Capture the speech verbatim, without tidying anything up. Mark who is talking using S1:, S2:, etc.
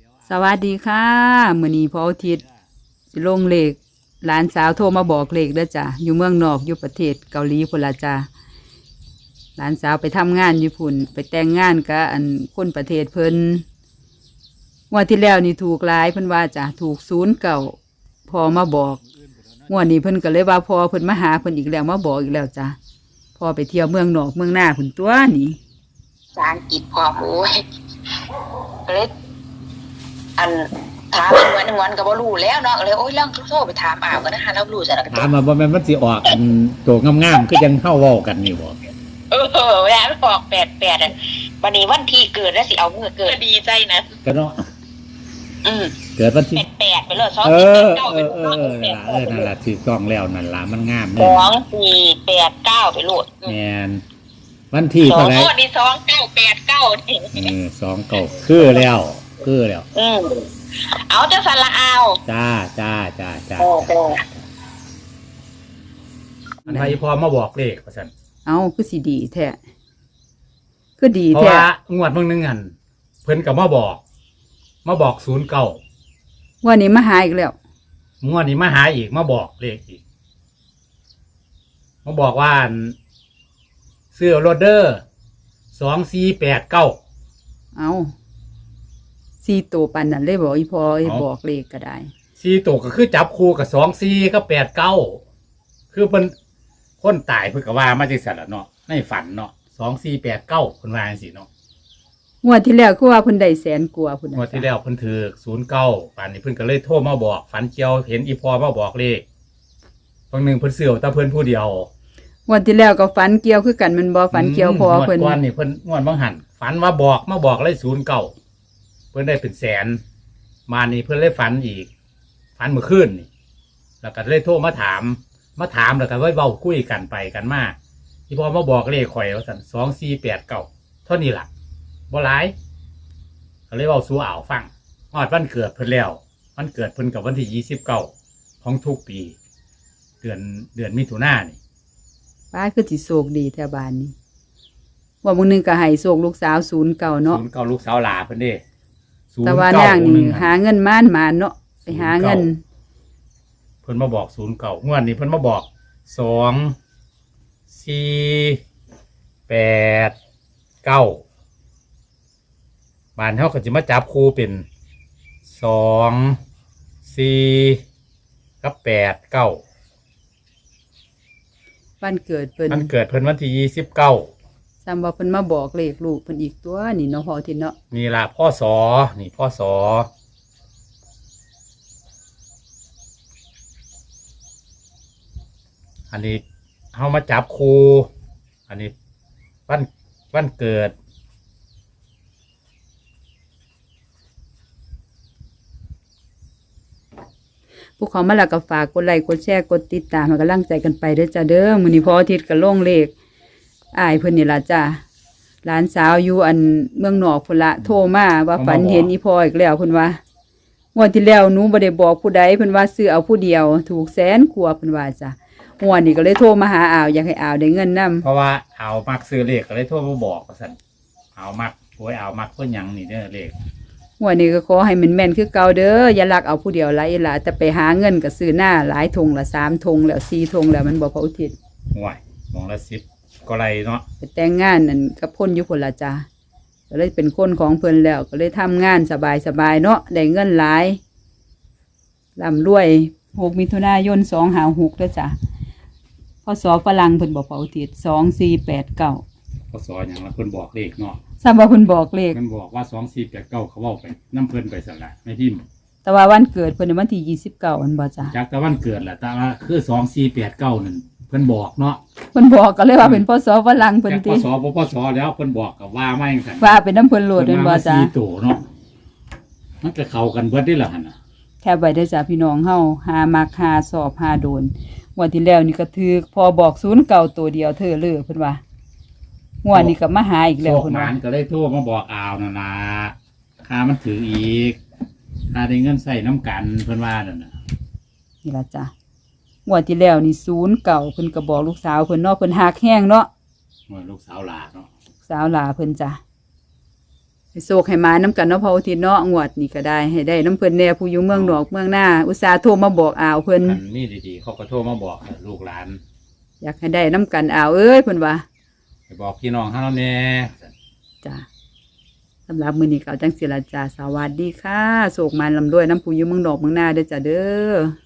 S1: สวัสดีค่ะมื้อนี้พออาทิตย์สิลงเลขหลานสาวโทรมาบอกเลขเด้อจ้ะอยู่เมืองนอกอยู่ประเทศเกาหลีพุ่นละจ้ะหลานสาวไปทำงานอยู่พุ่นไปแต่งงานกับอันคนประเทศเพิ่นงวดที่แล้วนี่ถูกหลายเพิ่นว่าจ้ะถูกศูนย์เก่าพอมาบอกงวดนี้เพิ่นก็เลยว่าพอเพิ่นมาหาเพิ่นอีกแล้วมาบอกอีกแล้วจ้ะพอไปเที่ยวเมืองนอกเมืองหน้าพุ่นตัวนี่
S2: ภาษาอังกฤษพอโอ้ยเลยอันถามเหมือนเหมือนกับว่ารู้แล้วเนาะเลยโอ้ยเรื่องโทรไปถามอ้าวกันนะคะเรารู้จักกัน
S3: ถามมาบ่แม่นมันสิออกอันตัวงามๆคือจังเฮาเว้ากันนี่บ่
S2: เออเวลามันออกแปดแปดอ่ะวันนี้วันที่เกิดแล้วสิเอาเมื่อเกิดดีใจนะ
S3: ก็เนาะ
S2: อืม
S3: เกิดวันที่
S2: แปดแปดไปเลยสอง
S3: เอ
S2: สี่
S3: อ
S2: เก้า
S3: เอ
S2: ไป
S3: อ
S2: โล
S3: เอ
S2: ด
S3: อเออนั่นล่ะเออนั่นล่ะถูกต้องแล้วนั่นล่ะมันงาม
S2: ส
S3: เด้
S2: องสี่แปดเก้าไปโลด
S3: แม่นวันที่
S2: สอ
S3: เท่าง ไหร่
S2: โลดนี่สองเก้าแปดเก้านี่
S3: เออสองเก้าคือแล้วคือแล้ว
S2: อืมเอาจะสละเอา
S3: จ้าจ้าจ้าจ้า
S2: โอ้โห
S3: อันไผพอมาบอกเลขว่าซั่น
S1: เอาคือสิดีแท้คือดี
S3: เพราะ
S1: แท้
S3: ว่างวดเบิ่งนึงหั่นเพิ่นก็มาบอกมาบอกศูนย์เก้า
S1: วันนี้มาหาอีกแล้ว
S3: งวดนี้มาหาอีกมาบอกเลขอีกมาบอกว่าอันซื้อโรเดอร์สองสี่แปดเก้า
S1: เอาสี่ตัวปันนั่นเลยบอกอีพอไอ้
S3: เอา
S1: บอกเลขก็ได้
S3: สี่ตัวก็คือจับคู่กับสองสี่ก็แปดเก้าคือเป็นคนตายเพื่อกว่ามาจากสัตว์เนาะในฝันเนาะสองสี่แปดเก้าคนว่าจังซี่เนาะ
S1: งวดที่แล้วคือว่าเพิ่นได้แสนกว่าพุ่น
S3: งวดที่แล้วเพิ่นถือศูนย์เก้าป่านนี้เพิ่นก็เลยโทรมาบอกฝันเกี่ยวเห็นอีพอมาบอกเลขบางหนึ่งเพิ่นเสือแต่เพิ่นผู้เดียว
S1: งวดที่แล้วก็ฝันเกี่ยวคือกันมันบ่ฝันเกี่ยวพอเพิ่น
S3: งวดก่อนนี่เพิ่นงวดบางหันฝันว่าบอกมาบอกเลยศูนย์เก้าเพิ่นได้เป็นแสนมานี่เพิ่นเลยฝันอีกฝันเมื่อคืนนี่แล้วก็เลยโทรมาถามมาถามแล้วก็ไว้เว้าคุยกันไปกันมาที่พอมาบอกเลขข่อยว่าสั่นสองสี่แปดเก้าเท่านี้ล่ะบ่หลายก็เลยเว้าสู่อ่าวฟังฮอดวันเกิดเพิ่นแล้ววันเกิดเพิ่นกับวันที่ยี่สิบเก้าของทุกปี เดือนเดือนมิถุนายนนี่
S1: ป้าคือสิโชคดีแถวบ้านนี้ว่ามื้อนึงก็ให้โชคลูกสาวศูนย์เก่าเนาะ
S3: ศูนย์เก้าลูกสาวหลาเพิ่นเด้
S1: แต่ว่านางนี่หาเงินม่านมานเนาะไปหาเงิน
S3: เพิ่นมาบอกศูนย์เก้างวดนี้เพิ่นมาบอกสองสี่แปดเก้าบ้านเฮาก็สิมาจับคู่เป็นสองสี่กับแปดเก้า
S1: วันเกิดเพิ่น
S3: มันเกิดเพิ่นวันที่ยี่สิบเก้า
S1: ซ้ำว่าเพิ่นมาบอกเลขลูกเพิ่นอีกตัวนี่เนาะพอทินเนาะ
S3: นี่ล่ะพ่อสอนี่พ่อสออันนี้เฮามาจับคู่อันนี้วันวันเกิด
S1: ผู้เขามาแล้วก็ฝากกดไลค์กดแชร์กดติดตามให้กำลังใจกันไปเด้อจ้าเด้อมื้อนี้พออาทิตย์ก็ลงเลขอ้ายเพิ่นนี่ล่ะจ้าหลานสาวอยู่อันเมืองนอกพุ่นละโทรมาว่าฝันเห็นอีพ่ออีกแล้วเพิ่นว่างวดที่แล้วหนูบ่ได้บอกผู้ใดเพิ่นว่าซื้อเอาผู้เดียวถูกแสนกว่าเพิ่นว่าจ้ะงวดนี้ก็เลยโทรมาหาอ้าวอยากให้อ้าวได้เงินนำ
S3: เพราะว่าเอามักซื้อเลขก็เลยโทรมาบอกว่าซั่นเอามักโอ้ยเอามักเพิ่นหยังนี่เด้อเลข
S1: งวดนี้ก็ขอให้มันแม่นคือเก่าเด้ออย่าลักเอาผู้เดียวหลายหลายแต่ไปหาเงินก็ซื้อหน้าหลายธงละสามธงแล้วสี่ธงแล้วมันบ่พออุทิศ
S3: ห่วยหมองละสิบก็ไรเนาะ
S1: ไปแต่งงานนั่นกับคนอยู่พุ่นละจ้าก็เลยเป็นคนของเพิ่นแล้วก็เลยทำงานสบายสบายเนาะได้เงินหลายร่ำรวยหกมิถุนายนสองห้าหกเด้อจ้ะพศฝรั่งเพิ่นบอกพออุทิศสองสี่แปดเก้า
S3: พศหยังละเพิ่นบอกเลขเนาะ
S1: ทราบว่าเพิ่นบอกเลข
S3: เพิ่นบอกว่าสองสี่แปดเก้าเขาเว้าไปน้ำเพิ่นไปสั่นละไม่พิมพ์
S1: แต่ว่าวันเกิดเพิ่นในวันที่ยี่สิบเก้าอันบ่จ้ะ
S3: จากแต่วันเกิดแหละแต่ว่าคือสองสี่แปดเก้านั่นเพิ่นบอกเนาะ
S1: เพิ่นบอกก็เลยว่าเป็นพศฝรั่งเพิ่น
S3: จากพ
S1: ติ
S3: ศพศแล้วเพิ่นบอกกับว่าไม่จังซั่น
S1: ว่าเป็นน้ำเพิ่นโลด
S3: เพิ่
S1: เป็น
S3: น
S1: บ่
S3: มา
S1: จ้ะ
S3: สี่ตัวเนาะมันก็เข้ากันเบิดได้ล่ะหั่นน่ะ
S1: แค่ไว้ได้อจ้ะพี่น้องเฮาหามักหาสอบหาโดนงวดที่แล้วนี่ก็ถือพอบอกศูนย์เก่าตัวเดียวเธอเลยเพิ่นว่างวดนี้ก็มาหาอีก
S3: โช
S1: แล้ว
S3: ค
S1: เพิ่น
S3: หมา
S1: ว่าน
S3: ก็เลยโทรมาบอกอ้าวนั่นล่ะค่ามันถืออีกค่าได้เงินใส่น้ำกันเพิ่นว่านั่นน่ะ
S1: นี่ล่ะจ้ะงวดที่แล้วนี่ศูนย์เก่าเพิ่นก็บอกลูกสาวเพิ่นเนาะเพิ่นหักแห้งเนาะ
S3: ว่าลูกสาวหลาเนาะ
S1: สาวหลาเพิ่นจ้ะให้โศกให้มาน้ำกันเนาะพออาทิตย์เนาะงวดนี่ก็ได้ให้ได้น้ำเพิ่นแน่ผู้อยู่เมืองนอกเมืองหน้าอุตส่าห์โทรมาบอกอ้าวเพิ่น
S3: คันมีดีๆเขาก็โทรมาบอกลูกหลาน
S1: อยากให้ได้น้ำกันอ้าวเอ้ยเพิ่นว่า
S3: ไปบอกพี่น้องเฮาแน่
S1: จ้ะสำหรับมื้อนี้ก็เอาจังสิละจ้าสวัสดีค่ะโศกมันลำด้วยน้ำผู้อยู่เมืองนอกเมืองหน้าเด้อจ้าเด้อ